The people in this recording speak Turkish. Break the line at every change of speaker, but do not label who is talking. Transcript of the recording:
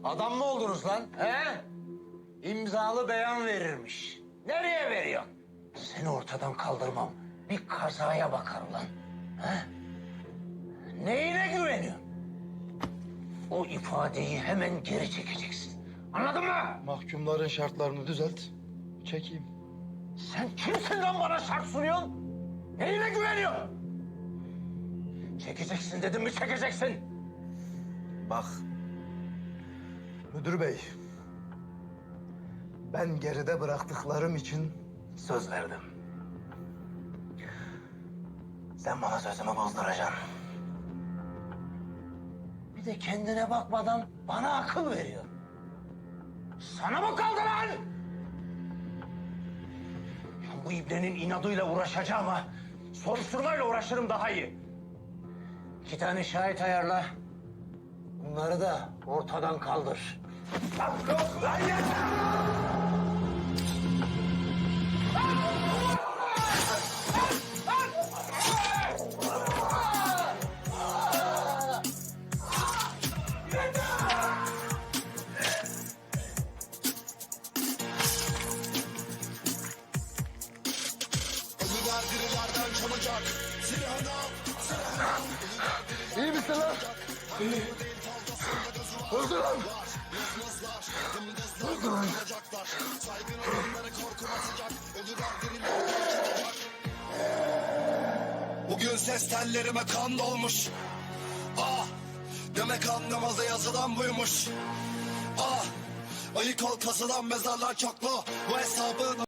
Adam mı oldunuz lan? He? İmzalı beyan verirmiş. Nereye veriyorsun? Seni ortadan kaldırmam. Bir kazaya bakar ulan. He? Neyine güveniyorsun? O ifadeyi hemen geri çekeceksin. Anladın mı?
Mahkumların şartlarını düzelt. Çekeyim.
Sen kimsin lan bana şart sunuyorsun? Neyine güveniyorsun? Çekeceksin dedim mi çekeceksin?
Bak. Müdür bey. Ben geride bıraktıklarım için söz verdim. Sen bana sözümü bozduracaksın.
Bir de kendine bakmadan bana akıl veriyor. Sana mı kaldı lan? Ya bu ibnenin inadıyla uğraşacağım ha. Soruşturmayla uğraşırım daha iyi. 2 tane şahit ayarla. Bunları da ortadan kaldır. Lan yeter!
İyi misin lan? İyi. Öldü lan. Öldü lan.
Bugün ses tellerime kan dolmuş. Ah, demek anlamaza yazılan buymuş. Ah, ayık ol kazılan mezarlar çoklu. Bu hesabın